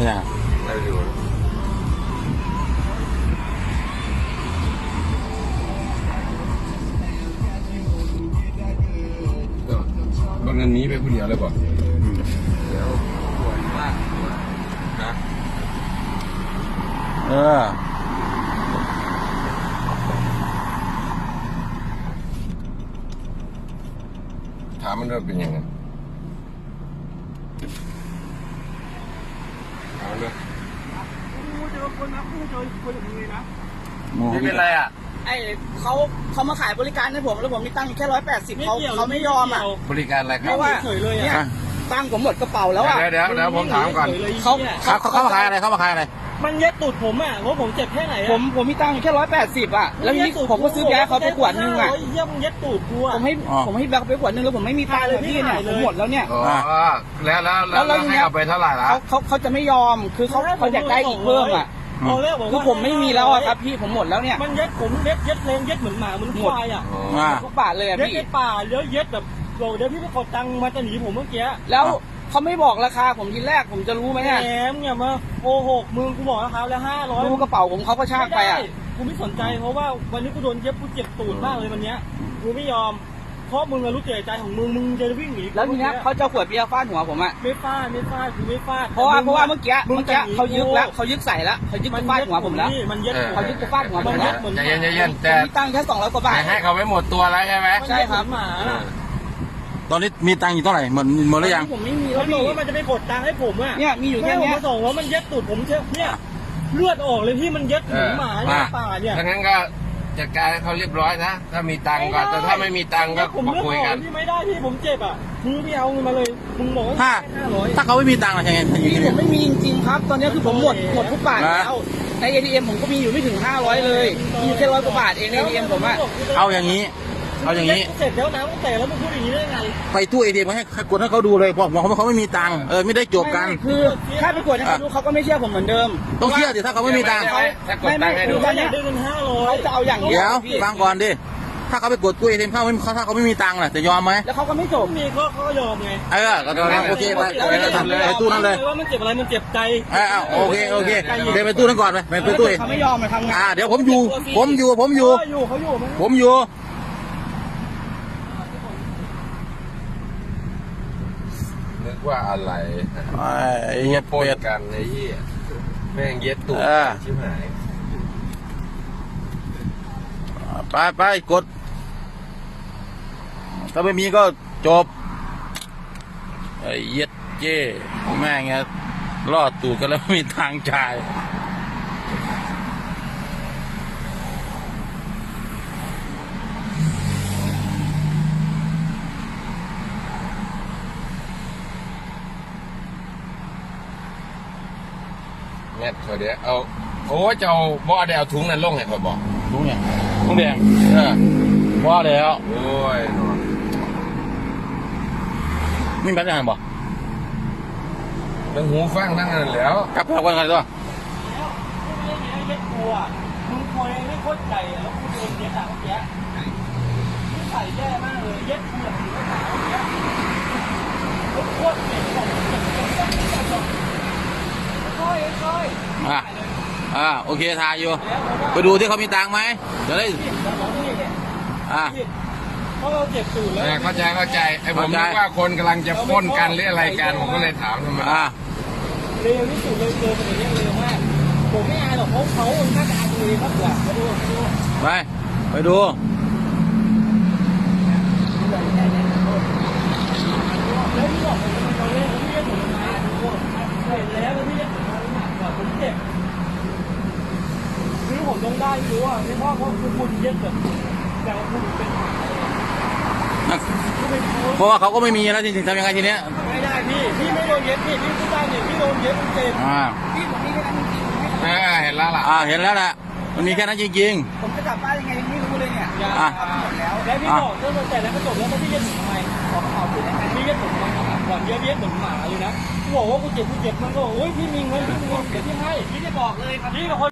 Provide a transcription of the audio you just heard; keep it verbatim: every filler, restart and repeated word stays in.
เนี่ยได้ดูบางอันนี้ไปคนเดียวเลยก่อนเดี๋ยวปวดมากนะเออถามมันว่าเป็นยังไงถามเลยไม่เป็นไรอ่ะไอเขาเขามาขายบริการให้ผมแล้วผมมีตังค์แค่ร้อยแปดสิบเขาเขาไม่ยอมอ่ะบริการอะไรคเพรับราะว่าเนี่ยตังค์ผมหมดกระเป๋าแล้วอ่ะเดี๋ยวเดี๋ยวเดี๋ยวผมถามก่อนเขาเขาเขาเขามาขายอะไรเขามาขายอะไรมันเย็ดตูดผมอ่ะเพราะผมเจ็บแค่ไหนผมผมมีตังค์แค่ร้อยแปดสิบอ่ะแล้วทีนี้ผมก็ซื้อแก๊สเขาไปขวดนึงอ่ะเยี่ยมเย็ดตูดกูอ่ะผมให้ผมให้แบกไปขวดนึงแล้วผมไม่มีตังค์เลยพี่เนี่ยผมหมดแล้วเนี่ยอ๋อแล้วแล้วแล้วให้เอาไปเท่าไหร่ละเขาเขาเขาจะไม่ยอมคือเขาเขาอยากได้อีกเพิ่มอ่ะคือผมไม่มีแล้วอ่ะครับพี่ผมหมดแล้วเนี่ยมันเย็ดผมเย็ดเย็ดแรงเย็ดเหมือนหมาเหมือนควายอ่ะทุกบาทเลยอ่ะเย็ดพี่ในป่าเยอะเย็ดแบบโเดี๋ยวพี่ไปกดตังค์มาจะหนีผมเมื่อกี้แล้วเขาไม่บอกราคาผมทีแรกผมจะรู้ไหมเนี่ยแหมเนี่ยมาโกหกมึงกูบอกราคาแล้วห้าร้อยดูกระเป๋าผมเขาก็ชากไปอ่ะกูไม่สนใจเพราะว่าวันนี้กูโดนเย็บกูเจ็บตูดมากเลยวันนี้กูไม่ยอมเพราะมึงรู้เจตใจของมึงมึงจะวิ่งหนีแล้วทีนี้เขาจะขวดเบียร์ฟาดหัวผมอ่ะไม่ฟาดไม่ฟาดกูไม่ฟาดเพราะว่าเพราะว่าเมื่อกี้เมื่อกี้เขายึกแล้วเขายึกใส่แล้วเขายึกฟาดหัวผมแล้วมันเย็ดเขายึกจะฟาดหัวผมแล้วใจเย็นใจเย็นแต่มีตังค์แค่สองร้อยกว่าบาทให้เขาไม่หมดตัวแล้วใช่ไหมใช่ครับหมาตอนนี้มีตังค์อยู่เท่าไหร่หมดหมดหรือยังผมไม่มีแล้วบอกว่ามันจะไปกดตังค์ให้ผมอ่ะเนี่ยมีอยู่แค่นี้ส่งว่ามันเย็ดตูดผมเชื่อเนี่ยเลือดออกเลยพี่มันเย็ดหมูหมาเนี่ยป่าเนี่ยถ้างั้นก็จัดการให้เขาเรียบร้อยนะถ้ามีตังค์ก็แต่ถ้าไม่มีตังค์ก็มาคุยกันพี่ไม่ได้พี่ผมเจ็บอ่ะมึงพี่เอาเงินมาเลยมึงบอกว่าถ้าถ้าเขาไม่มีตังค์อะไรยังไงพี่ผมไม่มีจริงๆครับตอนนี้คือผมหมดหมดทุกบาทแล้วใน เอ ที เอ็ม ผมก็มีอยู่ไม่ถึงห้าร้อยเลยมีอยู่แค่ร้อยกว่าบาทเองใน เอ ที เอ็ม ผมอะเอาอย่างนี้เอาอย่างนี้เสร็จแล้วนะตั้งแต่แล้วมึงพูดอย่างนี้ได้ไงไปตู้ เอ ที เอ็ม ให้กดให้เขาดูเลยบอกบอกเขาไม่มีตังค์เออไม่ได้จบกันคือถ้าไปกดให้เขาดูเขาก็ไม่เชื่อผมเหมือนเดิมต้องเชื่อสิถ้าเขาไม่มีตังค์ไม่ไม่คือเขาอยากได้เงินห้าร้อยเขาจะเอาอย่างเดี๋ยวฟังก่อนดิถ้าเขาไปกดตู้ เอ ที เอ็ม เขาไม่ถ้าเขาไม่มีตังค์ล่ะจะยอมไหมแล้วเขาก็ไม่จบมีเขาเขายอมไงเออก็โอเคไปไปตู้นั้นเลยว่ามันเจ็บอะไรมันเจ็บใจเออโอเคโอเคเดี๋ยวไปตู้นั้นก่อนไปไปตู้เขาไม่ยอมมาทำงานอ่าเดี๋ยวผมอยู่ผมอยู่ผมอยู่เขาอยู่ผมอยู่นึกว่าอะไรไอ้เหี้ยปนกันไอ้เหี้ยแม่งเย็ดตูดชิบหายไปไปกดถ้าไม่มีก็จบไอ้เย็ดเจ้แม่งเงี้ยรอดตูดกันแล้วไม่มีทางจ่ายแม่เขาเดี๋ยวเอาโอ้เจ้าบ่ได้เอาถุงนั้นลงให้เขาบอกถุงเนี่ยถุงแดงเออว่าแล้วโอ้ยนี่เป็นยังไงบอกทั้งหูฟังทั้งนั้นแล้วกลับไปกันกันตัวแล้วไม่ได้กลัวมึงคอยไม่โคตรใจแล้วกูโดนเย็ดอะเมื่อกี้มึงใส่แย่มากเลยเย็ดกูแบบนี้ก็หนาวเมื่อกี้โคตรเจ็บบอกเจ็บเจ็บเจ็บเจ็บบอกค่อยค่อยอ่าอ่าโอเคทายอยู่ไปดูที่เขามีตังค์ไหมจะได้อ่าเพราะเราเจ็บตูดแล้วเข้าใจเข้าใจไอ้ผมนึกว่าคนกำลังจะพ้นกันหรืออะไรกันผมก็เลยถามทำไมอ่าเร็วที่สุดเลยเจอคนนี้เร็วมากผมไม่อายหรอกเขาเขาน่าจะอายตัวเองมากกว่าไปดูไปไปดูแล้วที่บอกผมมันเล่นผมเรียกผมมาเห็นแล้วแล้วที่เรียกผมมาหนักกว่าผมเจ็บคือผมต้องได้รู้อ่ะไม่เพราะเขาคือคุณเย็ดแบบแต่ว่าคุณเป็นเพราะว่าเขาก็ไม่มีแล้วจริงๆทำยังไงทีเนี้ยไม่ได้พี่พี่ไม่โดนเย็ดพี่พี่พูดได้เนี่ยพี่โดนเย็ดเจ็บอ่าพี่ผมมีแค่นั้นจริงๆเออเห็นแล้วล่ะอ่าเห็นแล้วแหละมันมีแค่นั้นจริงๆผมจะกลับบ้านยังไงยังไม่รู้เลยเนี่ยอ่าหมดแล้วแล้วพี่บอกเรื่องแต่แล้วก็จบแล้วพี่เย็ดผมทำไมขอเขาคือได้ไหมพี่เย็ดผมทำไมก่อนเย็ดเย็ดเหมือนหมาเลยนะกูบอกว่ากูเจ็บกูเจ็บมันก็โอ้ยพี่มีเงินพี่มีเงินเดี๋ยวพี่ให้พี่จะบอกเลยครับพี่เป็นคน